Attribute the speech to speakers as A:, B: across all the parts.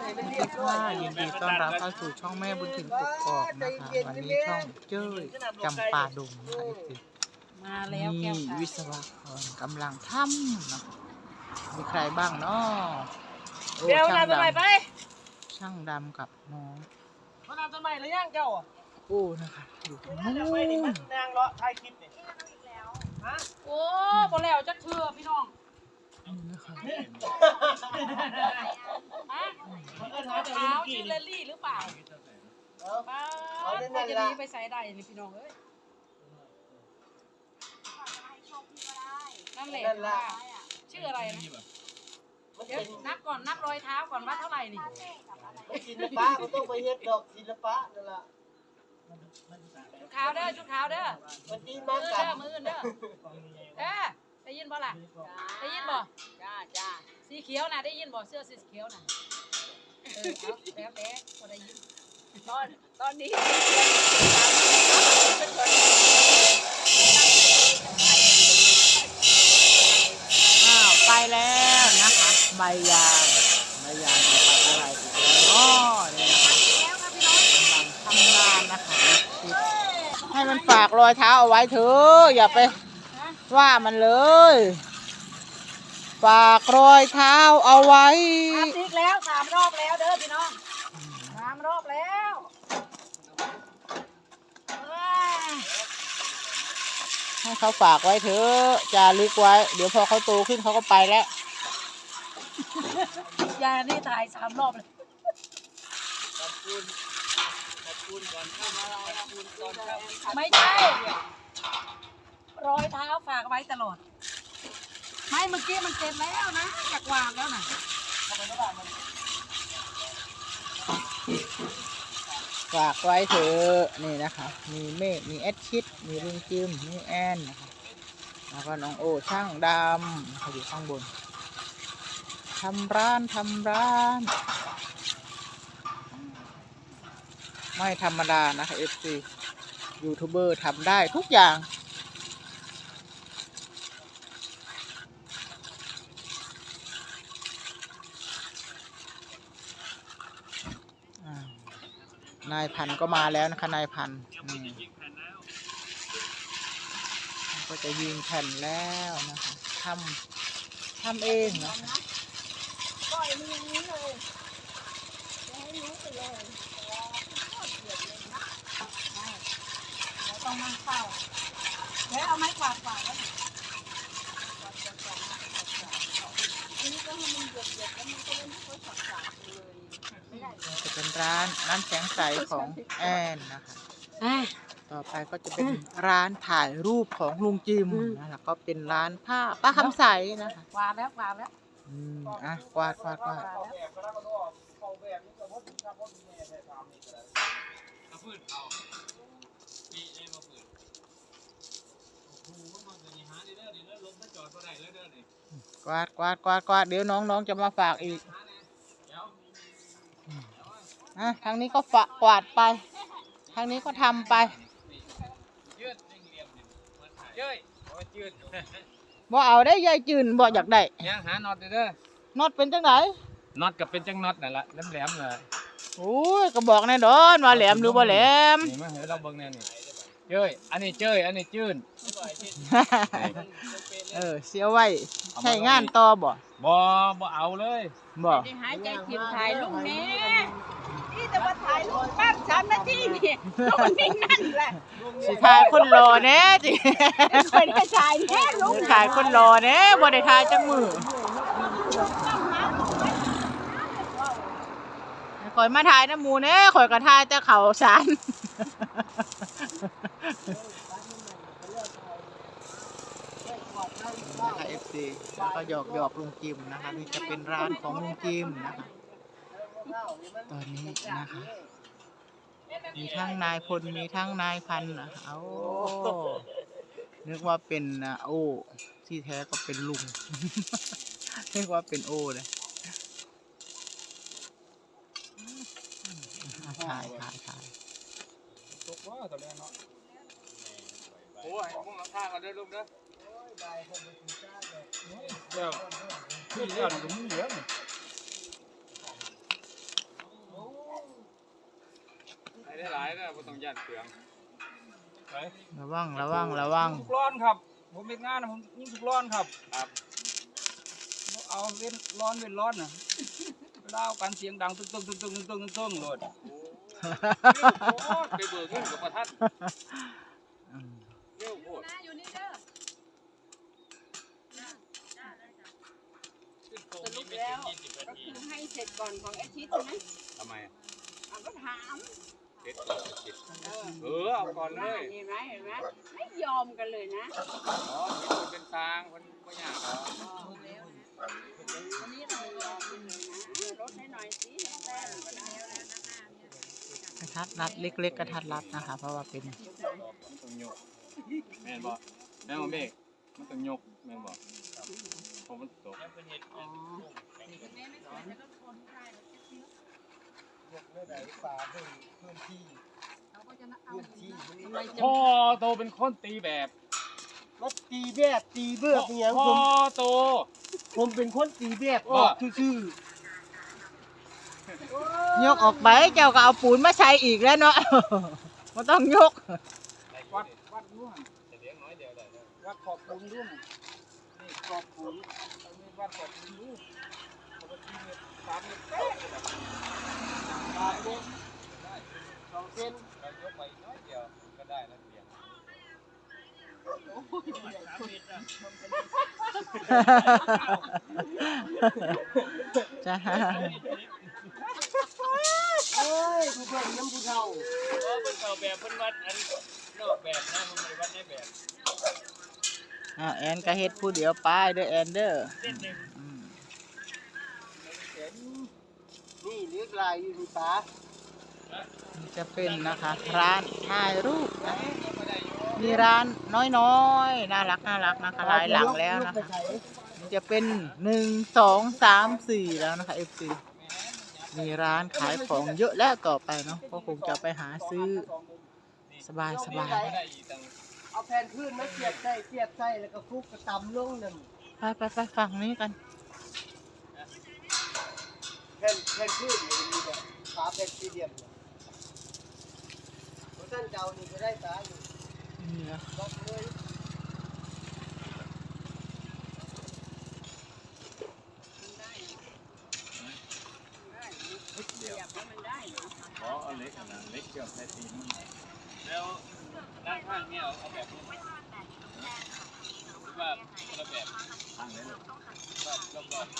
A: ค่ะยินดีต้อนรับเข้าสู่ช่องแม่บุญถิ่นกกอกนะคะวันนี้ช่องเจ้ยจำปาดงนะคะ
B: มาแล้วแก้ว
A: มีวิศวกรกำลังทำนะมีใครบ้างเนาะโอ้
B: เดี๋ยว
A: ช่าง
B: นำต้น
A: ด
B: ไม้ไป
A: ำช่างดำกับน้อง
B: มานำต้นไม้หรือยังเจ้า
A: โอ้นะคะอยู่ตรงนู้
B: ไปนี่มัน
A: น
B: นางเลาะถ่ายคลิปนี่ฮะโอ้บ่แล้วจักเทื่อพี่น้อง
A: นะคะ
B: ฮะขาวชื่อเลลี่หรือเปล่าป้าก็จะดีไปใส่ได้นี่พี่น้องเอ้ยนั่นแหละว่าชื่ออะไรนะเดี๋ยวนับก่อนนับรอยเท้าก่อนว่าเท่าไหร่นี่
C: ศิลปะมันต้องไปเฮ็ดดอกศิลปะนั่นล่ะ
B: ชุดขาวเด้อชุดขาวเด้อ
C: มันดี
B: มื
C: มาก
B: อ
C: กั
B: เด้
C: น
B: อมือเด้อได้ยินบ่ล่ะได้ยินบ่จ้าสีเขียวน่ะได้ยินบ่เสื้อสีเขียวน่ะเอาแล้วแต่บ่ได้ยินตอนนี้เป็นคน
A: อ้าวไปแล้วนะคะใบยางจะปักอะไรอีกแล้วเนาะเนี่ยนะคะ
B: แล้วครับพี่น้อง
A: ทำงานนะคะให้มันฝากรอยเท้าเอาไว้เถอะอย่าไปว่ามันเลย ฝากรอยเท้าเอาไว้
B: ทำอีกแล้ว3 รอบแล้วเด้อพี่น้อง3 รอบแล้ว
A: ให้เขาฝากไว้เถอะจารึกไว้ เดี๋ยวพอเขาโตขึ้นเขาก็ไปแล้ว
B: ยายนี่ถ่าย3 รอบเลยไม่ใช่รอยเท้าฝากไว้ตลอดไม่เมื่อกี้มันเสร็จแล้วนะจากวางแล้วนะ
A: ฝากไว้เถอะนี่นะคะ มีเมฆมีแอดชิดมีลุงจิมมีแอนนะคะแล้วก็น้องโอช่างดำเขาอยู่ข้างบนทำร้านไม่ธรรมดานะคะFC ยูทูบเบอร์ทำได้ทุกอย่างนายพันก็มาแล้วนะคะนายพันก็จะยิงแผ่นแล้วนะคะทำเองนะคะ
B: ปล่อยมันอย่างนี้เลยให้รู้ไปเลยต้องนั่งเฝ้าแล้วเอาไม้กวาดแล้ว
A: จะเป็นร้านแสงใสของแอนนะคะต่อไปก็จะเป็นร้านถ่ายรูปของลุงจิมนะคะก็เป็นร้านผ้าป้าคำใสนะคะ
B: กวาดแล้ว
A: กวาดเดี๋ยวน้องจะมาฝากอีกทางนี้ก็กวาดไปทางนี้ก็ทำไปบ่เอาได้ยายจืนบ่อยากได้
D: ยังหาน็อตเด้อ
A: น็อตเป็นจังไหน
D: น็อตกับเป็นจังน็อตนั่นแหละแหลมๆเลย
A: โอ้ยก็บอกแน่ดอนว่าแหลมหรือบ่แหลม
D: นี่มาเห็นเราเบิ่งแน่นี่เจ้ยอันนี้จื้น
A: เสียไว้ใช้งานต่อบ่
D: บ่เอาเลย
A: บ่
B: หายใจผิดถ่ายรูปนี้นี่แต่ว่าถ่ายรูปแป๊บ3 นาทีนี่มันนิ่งนั่นแหละ
A: สิถ่ายคนรอแน่จิ
B: เคยได้ถ่ายแน่รูป
A: ถ่ายคนรอแน่บ่ได้ถ่ายจังมือข่อยมาถ่ายน้ำหมูแน่ข่อยก็ถ่ายแต่เขาสารนะคะ FC แล้วก็หยอกลุงจิมนะคะนี่จะเป็นร้านของลุงจิมนะคะตอนนี้นะคะมีทั้งนายพลมีทั้งนายพันนะเอานึกว่าเป็นโอ้ที่แท้ก็เป็นลุง นึกว่าเป็นโอ้เลยถ่าย
D: ตกว่าตอนนี้เนาะโอ้ยมึงเอาท่ากันเด้อลูกเด้อเดี๋ยวพี่เดี๋ยวมึงเหลือายแล้วบ่ต้องย่านเปลืองไประ
A: วัง
E: ทุกร้อนครับผมเป็นงานนะผมยิ่งทุกร้อนครับ
D: ครับ
E: เอาเว้นร้อนน่ะเวลาเอากันเสียงดังตึ้งโลด
D: โอ้ไปเบิกเงินกับประทัดเร็วโพด
B: นะอยู่นี่เด้อ
D: ขึ้นตรง
F: สรุ
D: นี้
F: ป
D: ไม่
F: แล้ว
D: ถึง20 นา
F: ก็
D: ที
F: คือให้เสร็จก่อนของอาทิตย์ใช่ไหม
D: ทำไม
F: เอาก็ถาม
D: เสร็จก่อนจะคิดเอาก่อนเลย
F: เห็นไหมไม่ยอมกันเลยนะ
D: อ๋อคิดว่าเป็นทางมันไม่ยากหรอก
F: วันนี้เรายอมกันเลยนะลดให้หน่อยสิแป้งก็ได้
A: กระทัดรัดเล็กๆกระทัดรัดนะคะ เพราะว่าเป็น
D: มันต้องยกแม่นบ่แม่นบ่เมฆมันต้องยกแม่นบ่เพราะมันตก
C: ยกเมื่อใดป่าเพิ่มที่พื้นที่
D: พ่อโตเป็นคนตีแบบ
C: มาตีแบบตีเบิกเนี่ย
D: พ่อโต
C: ผมเป็นคนตีแบบออกซื่อย
A: กออกไปเจ้าก็เอาปูนมาใช้อีกแล้วเนาะ ไม่ต้องยก
E: วัดนู่น
D: จะเลี้ยงน้อยเดียวได้แล้ว
E: วัดขอบปูนด้วยนี่ขอบปูนเอามีวัดขอบปูนดูปกติเนี่ย3 เมตรเป๊ะเลยนะ
C: ๆป่าเล็ก2 เซน
D: เรายกไปน้อยเดียวก็ได้แล้วเตียง
A: จ้า
C: โอ้ยผู้เพิ่นน้ำผู้เฒ่า
D: เพิ่นเข้าแบบเพิ่นวัดอันนอกแบบนะมันไม่ได้วัดในแบบ
A: แอนก็เฮ็ดผู้เดียวป้ายเด้อแอนเด้ออืม
C: นี่เรียกลายอยู่ที่ป่า
A: นี่จะเป็นนะคะ ร้านถ่ายรูปนะมีร้านน้อยๆน่ารักนะคะหลายหลังแล้วนะคะนี่จะเป็น1 2 3 4แล้วนะคะ FC มีร้านขายของเยอะแล้วต่อไปเนาะก็คงจะไปหาซื้อสบาย
D: ไม่ได้อีกตั้ง
C: เอาแผ่นพื้นมาเสียบใส่แล้วก็คลุกกระตำลงนั่น
A: ไปฝั่งนี้กัน
C: แผ่นพื้นนี่มีแบบขาแผ่นสี่เหลี่ยมเนี่ยเพราะท่านเจ้านี่ก็ได้ตาอยู่
A: นี่นะ
C: ล็อกเลย
F: เสียบแล้วมันได้เหรอ
D: อ๋อเอาเล็กอันนั้นเล็กเกี่ยวใส่ตีนแล้วด้านข้างเนี่ยเอาแบบนี้หรือว่าคนละแบบทางไหนเลยแบบรอบ
A: ตึ๊บ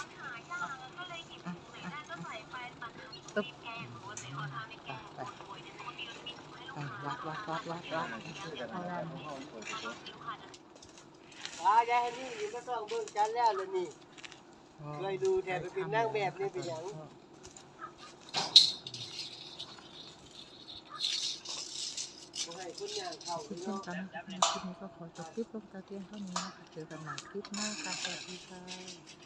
A: วัดเอาด้านนี้
C: ตายายนี่อยู่ก็ต้องเบิ่งกันแล้วเลยนี่เคยดูแทนไปเป็นนางแบบนี่เป็นหยังบ่ให้คนย่างเข้า
A: เช่น
C: เนาะ
A: กันนะคะคลิปนี้ก็ขอจบคลิปลงแต่เพียงเท่านี้นะคะเจอกันใหม่คลิปหน้าค่ะสวัสดีค่ะ